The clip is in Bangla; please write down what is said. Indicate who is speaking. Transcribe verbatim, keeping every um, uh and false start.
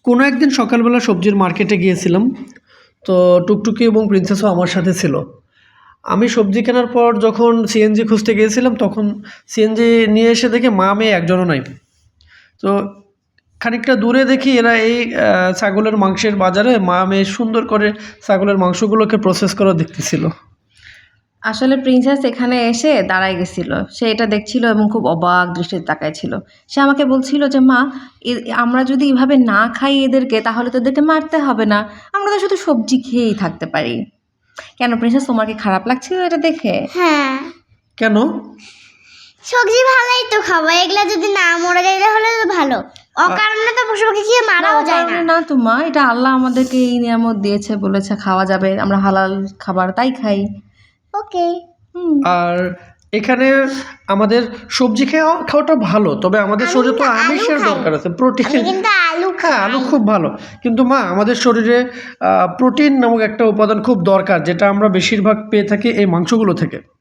Speaker 1: কোনো একদিন সকালবেলা সবজির মার্কেটে গিয়েছিলাম। তো টুকটুকি এবং প্রিন্সেসও আমার সাথে ছিল। আমি সবজি কেনার পর যখন সিএনজি খুঁজতে গিয়েছিলাম, তখন সিএনজি নিয়ে এসে দেখি মা মেয়ে একজনও নাই। তো খানিকটা দূরে দেখি এরা এই আ ছাগলের মাংসের বাজারে মা মেয়ে সুন্দর করে ছাগলের মাংসগুলোকে প্রসেস করা দেখতেছিল।
Speaker 2: আসলে প্রিন্সেস এখানে এসে দাঁড়ায় গেছিল। সে এটা দেখছিল এবং খুব অবাক দৃষ্টিতে তাকায় ছিল। সে আমাকে বলছিল যে, "মা, এ আমরা যদি এভাবে না খাই এদেরকে তাহলে তো এদেরকে মারতে হবে না। আমরা তো শুধু সবজি খেয়েই থাকতে পারি।" কেন প্রিন্সেস, তোমার কি খারাপ লাগছিল এটা দেখে?
Speaker 3: হ্যাঁ,
Speaker 1: কেন?
Speaker 3: সবজি ভালোই তো খাবো, এগুলা যদি না মরে যায় তাহলে তো ভালো। অকারণে তো পশু পাখি খেয়ে
Speaker 2: না,
Speaker 3: মারাও যায় না।
Speaker 2: অকারণে না তো মা, এটা আল্লাহ আমাদেরকে এই নিয়ামত দিয়েছে, বলেছে খাওয়া যাবে। আমরা হালাল খাবার তাই খাই।
Speaker 3: ওকে।
Speaker 2: হুম।
Speaker 1: আর এখানে আমাদের সবজি খাওয়া খাওয়াটা ভালো, তবে আমাদের
Speaker 3: আমি
Speaker 1: শরীরে তো
Speaker 3: কিন্তু আলু
Speaker 1: আমিষের
Speaker 3: খাই।
Speaker 1: দরকার আছে, প্রোটিন।
Speaker 3: আমি কিন্তু আলু
Speaker 1: হ্যাঁ, আলু
Speaker 3: খাই।
Speaker 1: খুব ভালো। কিন্তু মা আমাদের শরীরে আ প্রোটিন নামক একটা উপাদান খুব দরকার, যেটা আমরা বেশিরভাগ পেয়ে থাকি এই মাংসগুলো থেকে।